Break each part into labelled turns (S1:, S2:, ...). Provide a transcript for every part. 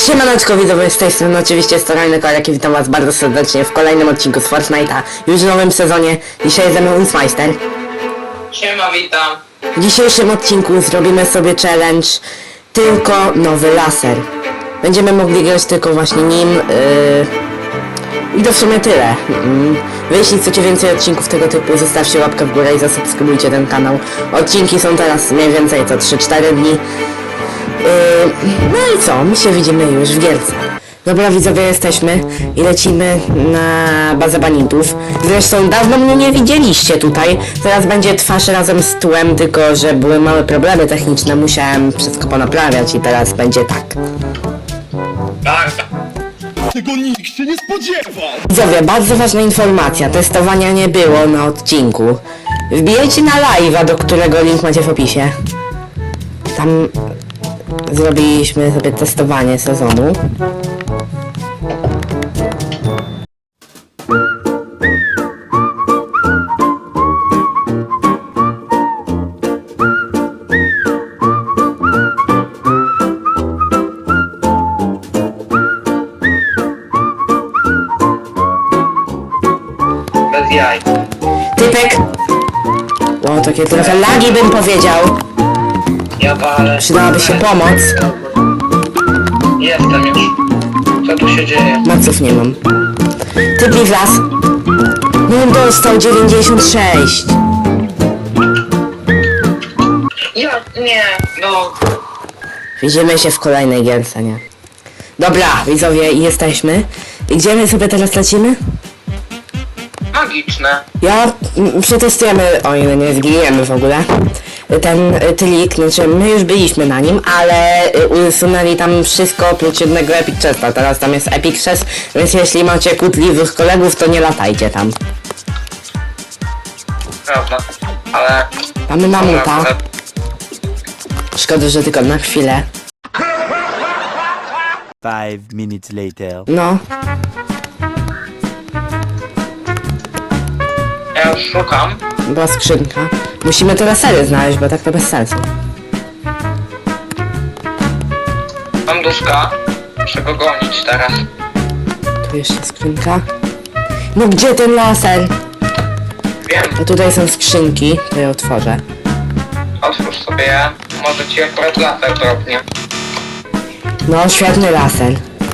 S1: Siemaneczko widzowie, z tej strony oczywiście Storajny Korek i witam was bardzo serdecznie w kolejnym odcinku z Fortnite'a, już w nowym sezonie. Dzisiaj ze mną Insmeister.
S2: Siema, witam.
S1: W dzisiejszym odcinku zrobimy sobie challenge tylko nowy laser. Będziemy mogli grać tylko właśnie nim i to w sumie tyle. Jeśli chcecie więcej odcinków tego typu, zostawcie łapkę w górę i zasubskrybujcie ten kanał. Odcinki są teraz mniej więcej co 3-4 dni. No i co? My się widzimy już w gierce. Dobra widzowie, jesteśmy i lecimy na bazę banitów. Zresztą dawno mnie nie widzieliście tutaj. Teraz będzie twarz razem z tłem, tylko że były małe problemy techniczne. Musiałem wszystko ponaprawiać i teraz będzie tak.
S2: Tak.
S3: Tego nikt się nie spodziewał!
S1: Widzowie, bardzo ważna informacja. Testowania nie było na odcinku. Wbijajcie na live'a, do którego link macie w opisie. Tam zrobiliśmy sobie testowanie sezonu.
S2: Bez jaj.
S1: Typek! O, takie trochę lagi bym powiedział.
S2: Ja walę.
S1: Przydałaby się pomoc.
S2: Jestem już. Co tu się dzieje?
S1: Maców nie mam. Typ w las. No on dostał 96.
S2: Ja nie, no.
S1: Widzimy się w kolejnej gierce, nie? Dobra, widzowie, jesteśmy. I gdzie my sobie teraz lecimy?
S2: Magiczne.
S1: Przetestujemy, o ile nie zginiemy w ogóle, ten trik, znaczy my już byliśmy na nim, ale usunęli tam wszystko oprócz jednego Epic Chesta. Teraz tam jest Epic Chest, więc jeśli macie kłótliwych kolegów, to nie latajcie tam.
S2: Prawda. Ale...
S1: Mamy mamuta. Szkoda, że tylko na chwilę.
S4: 5 minutes later.
S1: No,
S2: Ja już szukam.
S1: była skrzynka. Musimy te lasery znaleźć, bo tak to bez sensu.
S2: Mam duszka. Muszę go gonić teraz.
S1: Tu jeszcze skrzynka. No gdzie ten laser?
S2: Wiem.
S1: A tutaj są skrzynki, to je otworzę.
S2: Otwórz sobie je. Może ci akurat laser drobnie.
S1: No, świetny laser.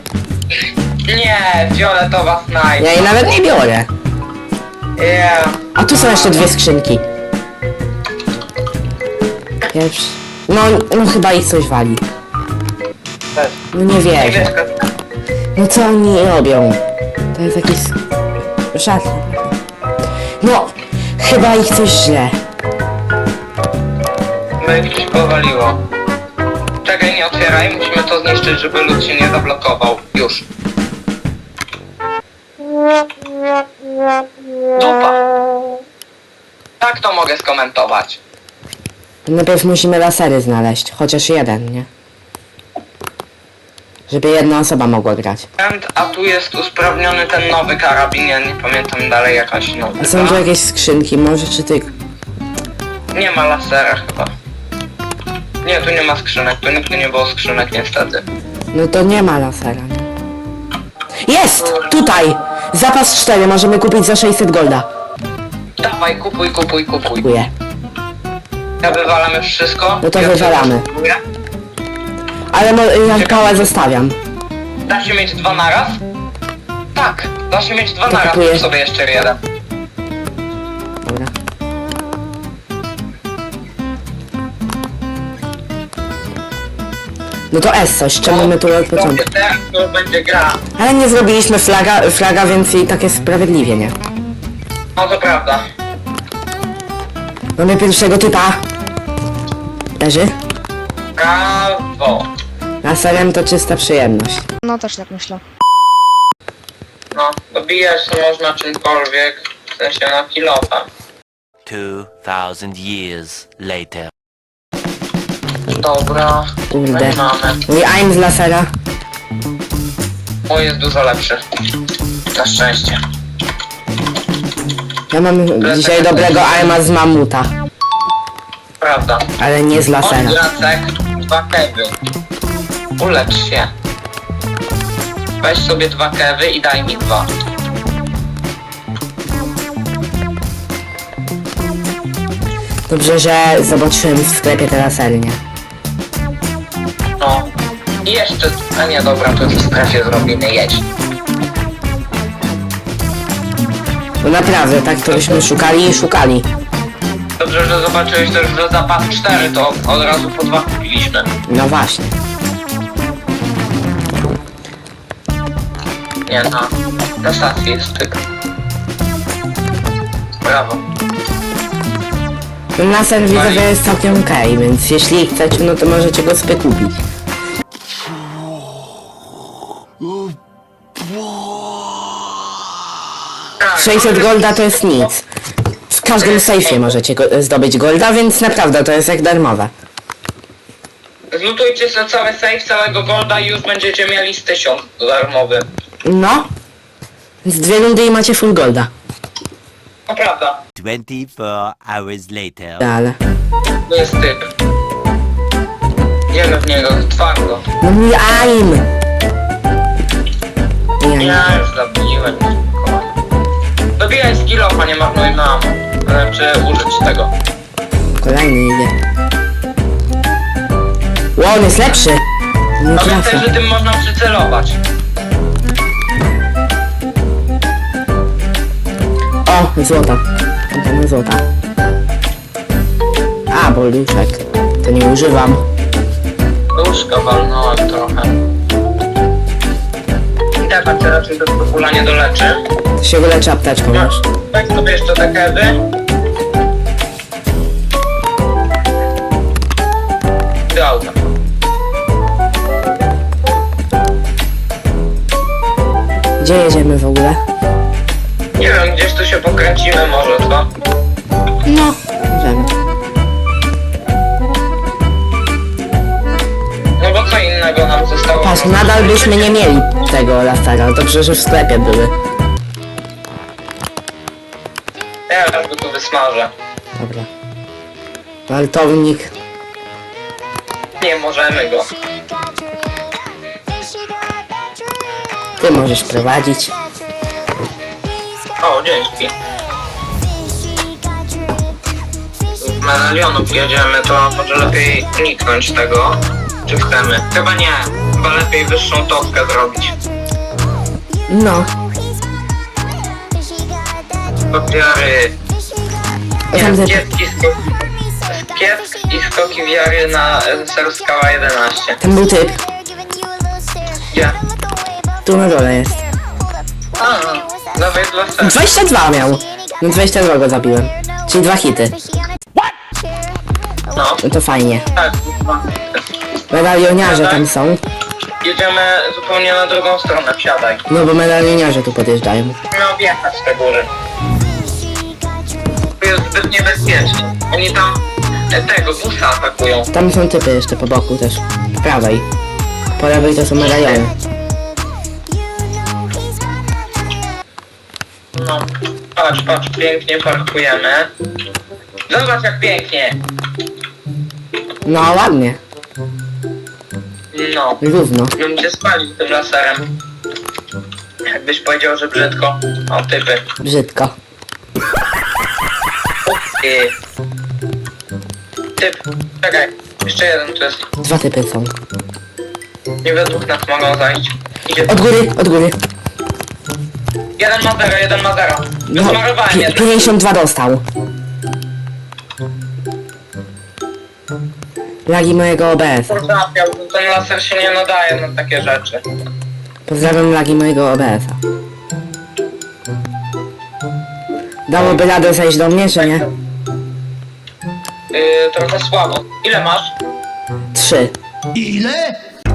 S2: Nie, fioletowa snajpa.
S1: Ja jej nawet nie biorę.
S2: Yeah.
S1: A tu są jeszcze dwie skrzynki. Pierwszy. No chyba ich coś wali.
S2: Też.
S1: No nie wierzę.
S2: Niebieska.
S1: No co oni robią? To jest jakiś... żart. No, chyba ich coś źle.
S2: My coś powaliło. Czekaj, nie otwieraj, musimy to zniszczyć, żeby lód się nie zablokował. Już. Dupa. Tak to mogę skomentować.
S1: Najpierw musimy lasery znaleźć, chociaż jeden, nie? Żeby jedna osoba mogła grać.
S2: A tu jest usprawniony ten nowy karabin, ja nie pamiętam dalej jakaś
S1: A
S2: nowa.
S1: są tu jakieś skrzynki, może czy ty...
S2: Nie ma lasera chyba. Nie, tu nie ma skrzynek, tu nigdy nie było skrzynek niestety.
S1: No to nie ma lasera, nie? Jest! Tutaj! Zapas 4 możemy kupić za 600 golda.
S2: Dawaj, kupuj.
S1: Dziękuję.
S2: Ja wywalam już wszystko.
S1: No to
S2: Ja
S1: wywalamy.
S2: wszystko kupuję.
S1: Ale ja pałę zostawiam.
S2: Da się mieć dwa naraz? Tak, da się mieć dwa
S1: To
S2: naraz,
S1: kupuję.
S2: kup sobie jeszcze jeden.
S1: Dobra. No to S coś, czemu my tu od początku?
S2: Teraz to będzie gra.
S1: Ale nie zrobiliśmy flaga, więc i tak jest sprawiedliwie, nie?
S2: No to prawda.
S1: Mamy pierwszego typa. Leży.
S2: Brawo.
S1: Laserem to czysta przyjemność.
S5: No też tak myślę.
S2: No, dobijać to można czymkolwiek, w sensie na kilofem.
S4: 2000 years later.
S2: Dobra,
S1: Kurde.
S2: no i mamy.
S1: Mój aim z lasera.
S2: Mój jest dużo lepszy. Na szczęście.
S1: Ja mam dzisiaj dobrego aima z mamuta.
S2: Prawda.
S1: Ale nie z lasera.
S2: Jacek, dwa keby. Ulecz się. Weź sobie 2 kewy i daj mi 2.
S1: Dobrze, że zobaczyłem w sklepie te lasernie.
S2: No. I jeszcze... A nie, dobra, to w sklepie zrobimy, jedź.
S1: No naprawdę, tak to byśmy szukali i szukali.
S2: Dobrze, że zobaczyłeś też, że zapas 4 to od razu po 2 kupiliśmy.
S1: No właśnie.
S2: Nie, na stacji jest styk. Brawo.
S1: Ten laser widzę, że jest całkiem okej, więc jeśli chcecie, no to możecie go sobie kupić.
S2: Tak,
S1: 600 golda to jest nic. W każdym sejfie możecie zdobyć golda, więc naprawdę to jest jak darmowe.
S2: Zlutujcie sobie cały save, całego golda i już będziecie mieli z 1000 darmowy.
S1: No. Z 2 rundy i macie full golda.
S2: No prawda.
S4: 24 hours later.
S1: Ale...
S2: To jest typ. Idziemy w niego, twardo.
S1: No mój aim! Nie,
S2: Ja już zabiłem. Dobijaj skillofa, nie marnuj nam. Czy użyć tego.
S1: kolejny idzie. Wow, on jest lepszy! Nie
S2: Pamiętaj,
S1: trafia.
S2: że tym można przycelować.
S1: O, złota. Tam złota. A, bolduszek. To nie używam.
S2: Łóżka walnąłem trochę. I tak cię raczej to skopula nie doleczy.
S1: To się wyleczy apteczką
S2: No,
S1: już.
S2: weź sobie jeszcze te kewy. Do auta.
S1: Gdzie jedziemy w ogóle?
S2: Nie wiem, gdzieś tu się pokręcimy może, co?
S1: No. Możemy.
S2: No bo co innego nam zostało?
S1: Patrz, nadal byśmy nie mieli tego lasera. Dobrze, że w sklepie były.
S2: Ja go tu wysmażę.
S1: Dobra. Waltownik.
S2: Nie możemy go.
S1: Ty możesz prowadzić.
S2: O, dzięki. Z medalionów jedziemy, to może lepiej uniknąć tego. Czy chcemy? Chyba nie. Chyba lepiej wyższą topkę zrobić.
S1: No.
S2: Wiary.
S1: Tam
S2: Nie,
S1: te-
S2: kiepski Piesk i skoki wiary na Ser Skała 11.
S1: Tam był typ.
S2: Gdzie?
S1: Tu na dole jest.
S2: A, dawaj dla Ser.
S1: 22 miał. No 22 go zabiłem. Czyli 2 hity.
S2: No,
S1: No to fajnie.
S2: tak.
S1: Medalioniarze tam są.
S2: Jedziemy zupełnie na drugą stronę, wsiadaj.
S1: No bo medalioniarze tu podjeżdżają.
S2: Musimy objechać te góry. Tu jest zbyt niebezpiecznie. Oni tam tego busa atakują.
S1: Tam są typy jeszcze po boku też. Po prawej. Po lewej to są medaliony.
S2: No, patrz, patrz, pięknie parkujemy. Zobacz jak pięknie.
S1: No ładnie.
S2: No,
S1: Równo.
S2: bym cię spalił tym laserem. Jakbyś powiedział, że brzydko. O, typy.
S1: Brzydko.
S2: I... Typ. Czekaj, jeszcze jeden tu jest.
S1: 2 typy są.
S2: Nie we dwóch nas mogą zajść. Idzie.
S1: Od góry, od góry.
S2: Jeden ma 0, jeden ma 0.
S1: No,
S2: Wysmarowałem jeden.
S1: 52 dostał. Lagi mojego OBS.
S2: Trafiał, ten laser się nie nadaje na takie rzeczy.
S1: Pozdrawiam lagi mojego OBS-a. Dałoby radę zejść do mnie, czy nie?
S2: Trochę słabo. Ile masz?
S1: 3.
S3: Ile?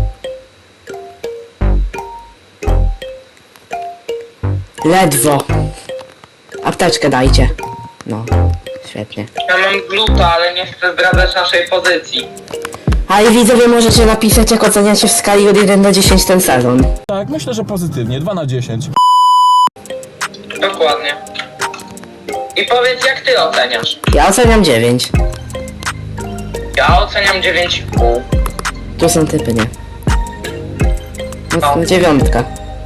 S1: Ledwo. Apteczkę dajcie. No, świetnie.
S2: Ja mam gluta, ale nie chcę zdradzać naszej pozycji.
S1: A i widzowie możecie napisać, jak oceniacie w skali od 1 do 10 ten sezon.
S3: Tak, myślę, że pozytywnie. 2 na 10.
S2: Dokładnie. I powiedz, jak ty oceniasz?
S1: Ja oceniam 9.
S2: Ja oceniam 9,5.
S1: Tu są typy, nie? No, 9.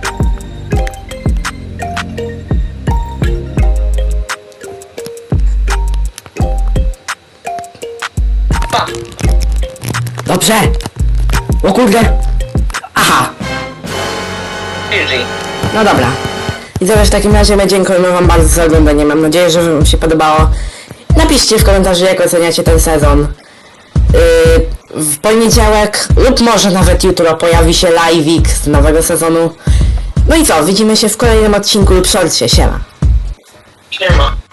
S2: Dobra.
S1: Dobrze. O kurde. Aha.
S2: GG.
S1: No dobra. I teraz w takim razie my dziękujemy wam bardzo za oglądanie. Mam nadzieję, że wam się podobało. Napiszcie w komentarzu, jak oceniacie ten sezon. W poniedziałek lub może nawet jutro pojawi się live'ik z nowego sezonu. No i co, widzimy się w kolejnym odcinku lub shortcie. Siema.
S2: Siema.